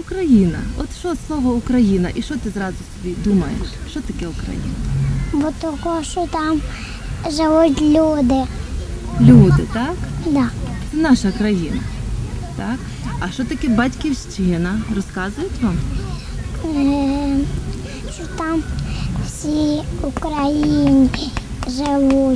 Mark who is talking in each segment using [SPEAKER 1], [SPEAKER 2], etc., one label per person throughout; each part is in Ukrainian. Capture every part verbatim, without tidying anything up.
[SPEAKER 1] Україна. От що слово Україна? І що ти зразу собі думаєш? Що таке Україна?
[SPEAKER 2] Бо того, що там живуть люди.
[SPEAKER 1] Люди, так?
[SPEAKER 2] Да.
[SPEAKER 1] Це наша країна. Так? А що таке батьківщина? Розказують вам?
[SPEAKER 2] Е, що там всі українці живуть.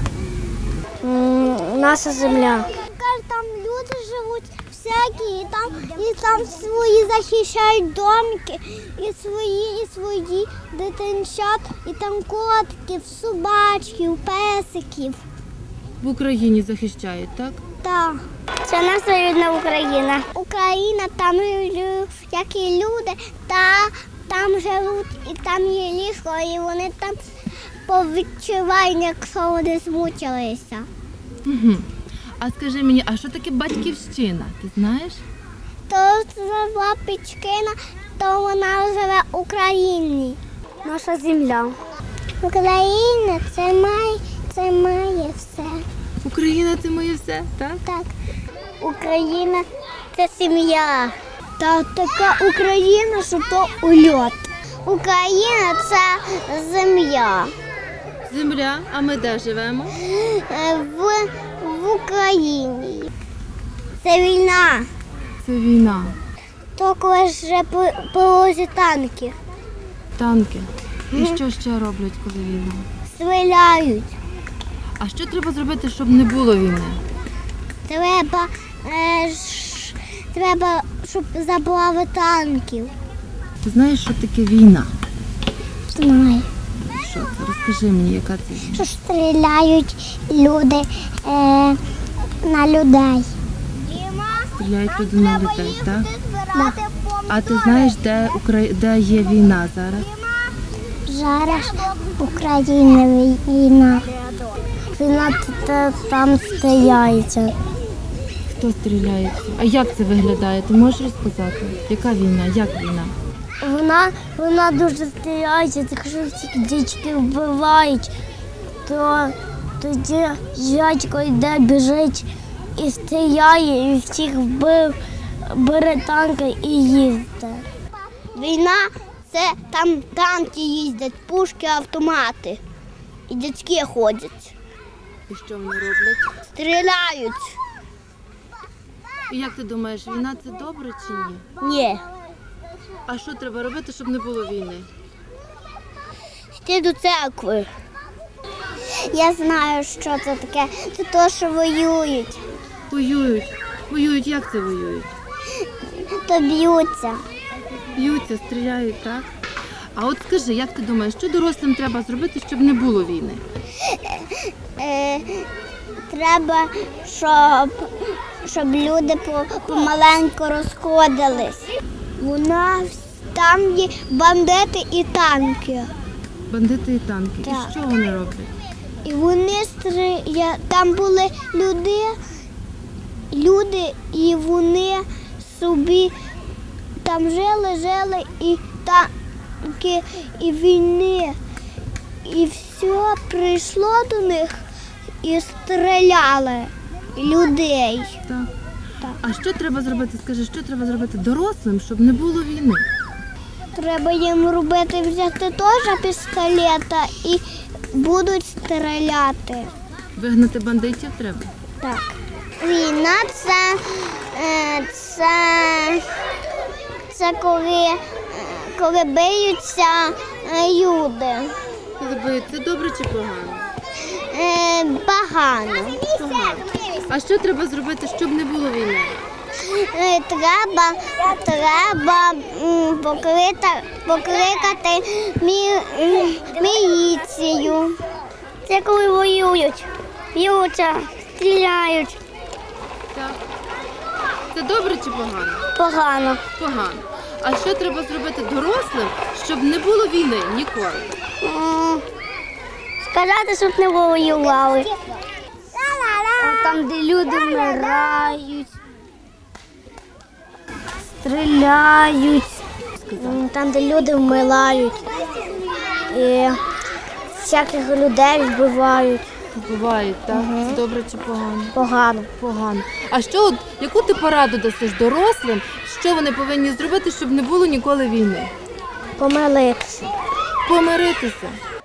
[SPEAKER 2] Наша земля. Там люди живуть всякі, і там, і там свої захищають домики, і свої, і свої дитинчат, і там котиків, собачків, песиків.
[SPEAKER 1] В Україні захищають, так?
[SPEAKER 2] Так. Це наша рідна Україна. Україна, там як і люди, та там живуть, і там є ліжко, і вони там повідчувають, якщо вони змучилися.
[SPEAKER 1] Угу. А скажи мені, а що таке батьківщина? Ти знаєш?
[SPEAKER 2] То це Батьківщина, то вона живе в Україні. Наша земля. Україна це має, це має все.
[SPEAKER 1] Україна це моє все, так?
[SPEAKER 2] Так. Україна це сім'я. Та така Україна, що то ульот. Україна це земля.
[SPEAKER 1] Земля, а ми де живемо?
[SPEAKER 2] В, в Україні. Це війна.
[SPEAKER 1] Це війна.
[SPEAKER 2] То коли вже повозять танки.
[SPEAKER 1] Танки. І що ще роблять, коли війна?
[SPEAKER 2] Стріляють.
[SPEAKER 1] А що треба зробити, щоб не було війни?
[SPEAKER 2] Треба, е, ш, треба, щоб забрали танків.
[SPEAKER 1] Ти знаєш, що таке війна?
[SPEAKER 2] Знаю.
[SPEAKER 1] Що це? Розкажи мені, яка це війна?
[SPEAKER 2] Що стріляють люди е, на людей.
[SPEAKER 1] Стріляють люди на людей, так?
[SPEAKER 2] Да.
[SPEAKER 1] А ти знаєш, де, Укра... де є війна зараз?
[SPEAKER 2] Зараз Україна війна. Війна там стріляється.
[SPEAKER 1] Хто стріляється? А як це виглядає? Ти можеш розказати? Яка війна? Як війна?
[SPEAKER 2] Вона, вона дуже стріляється, так що всіх дітей вбивають, то тоді дядько йде, біжить і стріляє, і всіх вбив, бере танки і їздить. Війна – це там танки їздять, пушки, автомати. І дядьки ходять.
[SPEAKER 1] І що вони роблять?
[SPEAKER 2] Стріляють.
[SPEAKER 1] І як ти думаєш, війна це добре чи ні?
[SPEAKER 2] Ні.
[SPEAKER 1] А що треба робити, щоб не було війни?
[SPEAKER 2] Йти до церкви. Я знаю, що це таке. Це те, що воюють.
[SPEAKER 1] Воюють. Воюють, як це воюють?
[SPEAKER 2] То б'ються.
[SPEAKER 1] Б'ються, стріляють, так? А от скажи, як ти думаєш, що дорослим треба зробити, щоб не було війни?
[SPEAKER 2] Е, треба, щоб, щоб люди помаленьку розходились. У нас там є бандити і танки.
[SPEAKER 1] Бандити і танки.
[SPEAKER 2] Так.
[SPEAKER 1] І що вони роблять?
[SPEAKER 2] І вони стріляють. Там були люди, люди, і вони собі там жили, жили, і танки, і війни. І все прийшло до них і стріляли людей.
[SPEAKER 1] Так.
[SPEAKER 2] Так.
[SPEAKER 1] А що треба зробити? Скажи, що треба зробити дорослим, щоб не було війни?
[SPEAKER 2] Треба їм робити, взяти теж пістолета і будуть стріляти.
[SPEAKER 1] Вигнати бандитів треба?
[SPEAKER 2] Так. Війна це, е, це, це коли, е, коли биються е, люди.
[SPEAKER 1] Коли б'ються, добре чи погано?
[SPEAKER 2] Е, Погано.
[SPEAKER 1] Погано. А що треба зробити, щоб не було війни?
[SPEAKER 2] Е, Треба, треба м, покрити, покликати мі, м, міліцію. Це коли воюють, б'ються, стріляють.
[SPEAKER 1] Так. Це добре чи погано?
[SPEAKER 2] Погано.
[SPEAKER 1] Погано. А що треба зробити дорослим, щоб не було війни ніколи?
[SPEAKER 2] М, Сказати, щоб не воювали. Там, де люди вмирають, стріляють, там, де люди вмирають, і всяких людей вбивають.
[SPEAKER 1] Вбивають, так?
[SPEAKER 2] Мгм.
[SPEAKER 1] Це добре чи погано?
[SPEAKER 2] Погано.
[SPEAKER 1] Погано. А що, от, яку ти пораду дасиш дорослим, що вони повинні зробити, щоб не було ніколи війни?
[SPEAKER 2] Помилитися.
[SPEAKER 1] Помиритися.